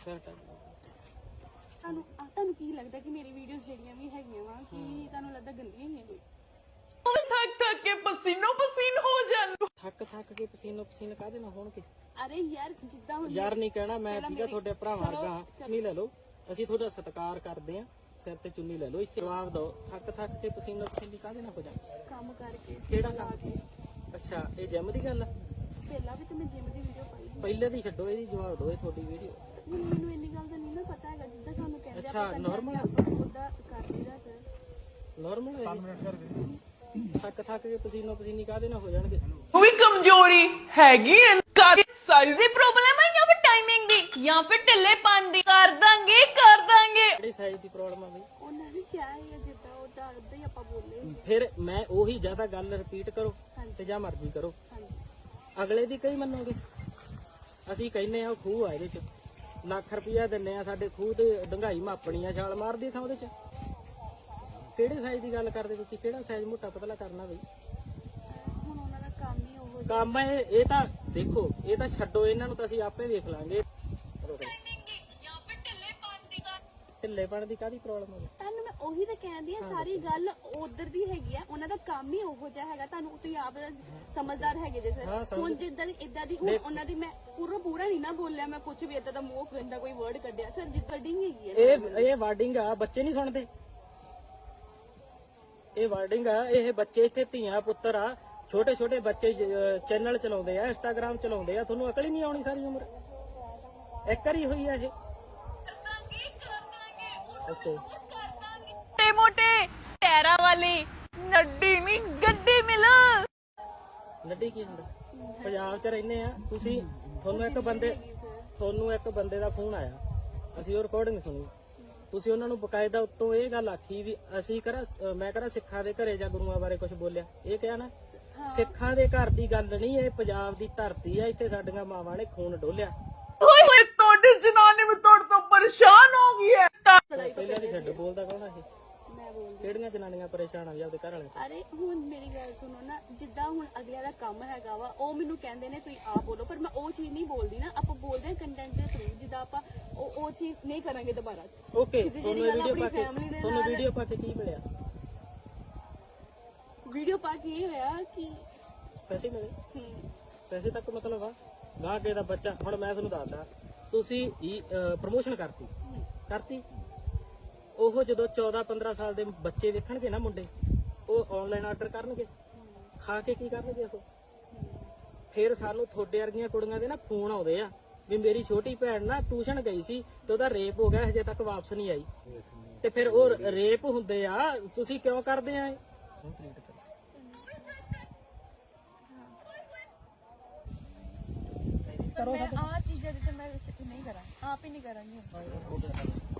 ਤੁਹਾਨੂੰ ਕੀ ਲੱਗਦਾ ਕਿ ਮੇਰੀ ਵੀਡੀਓਜ਼ ਜਿਹੜੀਆਂ ਵੀ ਹੈਗੀਆਂ ਵਾ ਕਿ ਤੁਹਾਨੂੰ ਲੱਗਦਾ ਗੰਦੀਆਂ ਹੀ ਕੋਈ थक के पसीनो पसीन हो जान थक के पसीनो पसीन काहदे ना होणगे। अरे यार जिद्दां यार नहीं कहना मैं ठीक है थोड़े भरा वर्गा चुन्नी ले लो ਅਸੀਂ ਤੁਹਾਡਾ ਸਤਿਕਾਰ ਕਰਦੇ ਆ ਸਿਰ ਤੇ ਚੁੰਨੀ ਲੈ ਲਓ ਇੱਥੇ ਜਵਾਬ ਦਿਓ ਥੱਕ ਕੇ ਪਸੀਨੋ ਪਸੀਨੀ ਕਾਹਦੇ ਨਾਲ ਹੋ ਜਾ ਕੰਮ ਕਰਕੇ ਕਿਹੜਾ ਕੰਮ ਅੱਛਾ ਇਹ ਜਿਮ ਦੀ ਗੱਲ ਆ ਪਹਿਲਾਂ ਵੀ ਤੇ ਮੈਂ ਜਿਮ ਦੀ ਵੀਡੀਓ ਪਾਈ ਪਹਿਲੇ ਦੀ ਛੱਡੋ ਇਹਦੀ ਜਵਾਬ ਦਿਓ ਇਹ ਤੁਹਾਡੀ ਵੀਡੀਓ ਮੈਨੂੰ ਇੰਨੀ ਗੱਲ ਦਾ ਨਹੀਂ ਨਾ ਪਤਾ ਹੈਗਾ ਜਿੱਦਾਂ ਸਾਨੂੰ ਕਹਿੰਦੇ ਅੱਛਾ ਨਾਰਮਲ ਉਹਦਾ ਕਰ ਲਈਦਾ ਸਰ ਨਾਰਮਲ 5 ਮਿੰਟ ਕਰਕੇ ਥੱਕ ਕੇ ਪਸੀਨੋ ਪਸੀਨੀ ਕਾਹਦੇ ਨਾਲ ਹੋ ਜਾਣਗੇ वो भी कमजोरी हैगी साइज दी प्रॉब्लम है या फिर टाइमिंग दी या फिर ढिल्लेपन दी कर दांगे ਕਿਹੜੀ ਸਾਈਜ਼ ਦੀ ਪ੍ਰੋਬਲਮ ਆ ਬਈ ਉਹਨਾਂ ਨੇ ਕਿਹਾ ਹੈ ਜਿੱਦਾਂ ਉਹਦਾ ਉਦਾਂ ਹੀ ਆਪਾਂ ਬੋਲੇ ਫਿਰ ਮੈਂ ਉਹੀ ਜ਼ਿਆਦਾ ਗੱਲ ਰਿਪੀਟ ਕਰੋ ਤੇ ਜਾਂ ਮਰਜ਼ੀ ਕਰੋ ਅਗਲੇ ਦੀ ਕਈ ਮੰਨੋਗੇ ਅਸੀਂ ਕਹਿੰਨੇ ਆ ਖੂਹ ਆ ਇਹਦੇ ਚ ਲੱਖ ਰੁਪਇਆ ਦਿੰਨੇ ਆ ਸਾਡੇ ਖੂਹ ਤੇ ਡੰਗਾਈ ਮਾਪਣੀ ਆ ਛਾਲ ਮਾਰਦੀ ਥਾਂ ਉਹਦੇ ਚ ਕਿਹੜੇ ਸਾਈਜ਼ ਦੀ ਗੱਲ ਕਰਦੇ ਤੁਸੀਂ ਕਿਹੜਾ ਸਾਈਜ਼ ਮੋਟਾ ਪਤਲਾ ਕਰਨਾ ਬਈ ਹੁਣ ਉਹਨਾਂ ਦਾ ਕੰਮ ਹੀ ਉਹ ਕੰਮ ਇਹ ਤਾਂ ਦੇਖੋ ਇਹ ਤਾਂ ਛੱਡੋ ਇਹਨਾਂ ਨੂੰ ਤਾਂ ਅਸੀਂ ਆਪੇ ਵੇਖ ਲਾਂਗੇ ਢਿੱਲੇਪਣ ਦੀ ਕਾਹਦੀ ਪ੍ਰੋਬਲਮ ਹੈ ਤੁਹਾਨੂੰ ਮੈਂ ਉਹੀ ਤਾਂ ਕਹਿੰਦੀ ਆ ਸਾਰੀ ਗੱਲ ਉਧਰ ਦੀ ਹੈਗੀ ਆ ਉਹਨਾਂ ਦਾ ਕੰਮ ਹੀ ਉਹੋ ਜਿਹਾ ਹੈਗਾ ਤੁਹਾਨੂੰ ਤੁਸੀਂ ਆਪ ਸਮਝਦਾਰ ਹੈਗੇ ਜੇ ਸਰ ਹੁਣ ਜਿੱਦਾਂ ਦੀ ਇਦਾਂ ਦੀ ਹੁਣ ਉਹਨਾਂ ਦੀ ਮੈਂ ਪੂਰਾ ਨਹੀਂ ਨਾ ਬੋਲਿਆ ਮੈਂ ਕੁਝ ਵੀ ਇਦਾਂ ਦਾ ਮੂੰਹ ਗੰਦਾ ਕੋਈ ਵਰਡ ਕੱਢਿਆ ਸਰ ਜਿੱਦਾਂ ਡਿੰਗ ਹੈਗੀ ਆ ਇਹ ਵਾਰਡਿੰਗ ਆ ਬੱਚੇ ਨਹੀਂ ਸੁਣਦੇ ਇਹ ਵਾਰਡਿੰਗ ਆ ਇਹ ਬੱਚੇ ਇੱਥੇ ਧੀਆਂ ਪੁੱਤਰ ਆ ਛੋਟੇ ਛੋਟੇ ਬੱਚੇ ਚੈਨਲ ਚਲਾਉਂਦੇ ਆ ਇੰਸਟਾਗ੍ਰਾਮ ਚਲਾਉਂਦੇ ਆ ਤੁਹਾਨੂੰ ਅਕਲ ਹੀ ਨਹੀਂ ਆਉਣੀ ਸਾਰੀ ਉਮਰ ਇੱਕ ਵਾਰੀ ਹੋਈ ਆ ਇਹ ਓਕੇ मोटे मोटे टैरा वाली नड्डी नहीं गड्डी मिल ਨੱਡੀ ਕੀ ਹੁੰਦਾ ਪੰਜਾਬ 'ਚ ਰਹਿੰਦੇ ਆ ਤੁਸੀਂ ਤੁਹਾਨੂੰ ਇੱਕ ਬੰਦੇ ਦਾ ਫੋਨ ਆਇਆ ਅਸੀਂ ਉਹ ਰਿਕਾਰਡਿੰਗ ਸੁਣੀ ਤੁਸੀਂ ਉਹਨਾਂ ਨੂੰ ਬਕਾਇਦਾ ਉੱਤੋਂ ਇਹ ਗੱਲ ਆਖੀ ਵੀ ਅਸੀਂ ਮੈਂ ਕਰਾਂ ਸਿੱਖਾਂ ਦੇ ਘਰੇ ਜਾਂ ਗੁਰੂਆਂ ਬਾਰੇ ਕੁਝ ਬੋਲਿਆ ਇਹ ਕਿਹਾ ਨਾ ਸਿੱਖਾਂ ਦੇ ਘਰ ਦੀ ਗੱਲ ਨਹੀਂ ਇਹ ਪੰਜਾਬ ਦੀ ਧਰਤੀ ਆ ਇੱਥੇ ਸਾਡੀਆਂ ਮਾਵਾਂ ਨੇ ਖੂਨ ਡੋਲਿਆ तोड़ी जनानी में तोड़ तो परेशान हो गई है ਪਹਿਲਾਂ ਦੀ ਛੱਡ ਬੋਲਦਾ ਕੌਣ ਆ ਇਹ ਕਿਹੜੀਆਂ ਜਨਾਨੀਆਂ ਪਰੇਸ਼ਾਨ ਆ ਜੀ ਆਪਦੇ ਘਰ ਵਾਲੇ ਅਰੇ ਹੁਣ ਮੇਰੀ ਗੱਲ ਸੁਣੋ ਨਾ ਜਿੱਦਾਂ ਹੁਣ ਅਗਲਿਆਂ ਦਾ ਕੰਮ ਹੈਗਾ ਵਾ ਉਹ ਮੈਨੂੰ ਕਹਿੰਦੇ ਨੇ ਤੁਸੀਂ ਆਪ ਬੋਲੋ ਪਰ ਮੈਂ ਉਹ ਚੀਜ਼ ਨਹੀਂ ਬੋਲਦੀ ਨਾ ਆਪਾਂ ਬੋਲਦੇ ਹਾਂ ਕੰਟੈਂਟ ਦੇ ਥਰੂ ਜਿੱਦਾਂ ਆਪਾਂ ਉਹ ਚੀਜ਼ ਨਹੀਂ ਕਰਾਂਗੇ ਦੁਬਾਰਾ ਓਕੇ ਤੁਹਾਨੂੰ ਵੀਡੀਓ ਪਾ ਕੇ ਕੀ ਮਿਲਿਆ ਵੀਡੀਓ ਪਾ ਕੇ ਇਹ ਹੋਇਆ ਕਿ ਪੈਸੇ ਮਿਲੇ ਪੈਸੇ ਤੱਕ ਮਤਲਬ ਆ ਗਾਂ ਕੇ ਦਾ ਬੱਚਾ ਹੁਣ ਮੈਂ ਤੁਹਾਨੂੰ ਦੱਸਦਾ ਤੁਸੀਂ ਪ੍ਰਮੋਸ਼ਨ ਕਰਤੀ ਉਹ ਜਦੋਂ 14-15 ਸਾਲ ਦੇ ਬੱਚੇ ਵੇਖਣਗੇ ਨਾ ਮੁੰਡੇ ਉਹ ਆਨਲਾਈਨ ਆਰਡਰ ਕਰਨਗੇ ਖਾ ਕੇ ਕੀ ਕਰਨਗੇ ਉਹ ਫਿਰ ਸਾਨੂੰ ਤੁਹਾਡੇ ਵਰਗੀਆਂ ਕੁੜੀਆਂ ਦੇ ਨਾ ਫੋਨ ਆਉਂਦੇ ਆ ਵੀ ਮੇਰੀ ਛੋਟੀ ਭੈਣ ਨਾ ਟਿਊਸ਼ਨ ਗਈ ਸੀ ਤੇ ਉਹਦਾ ਰੇਪ ਹੋ ਗਿਆ ਹਜੇ ਤੱਕ ਵਾਪਸ ਨਹੀਂ ਆਈ ਤੇ ਫਿਰ ਉਹ ਰੇਪ ਹੁੰਦੇ ਆ ਤੁਸੀਂ ਕਿਉਂ ਕਰਦੇ ਆ ਮੈਂ ਆ ਚੀਜ਼ਾਂ ਤੇ ਮੈਂ ਨਹੀਂ ਕਰਾਂ ਆਪ ਹੀ ਨਹੀਂ ਕਰਾਂਗੀ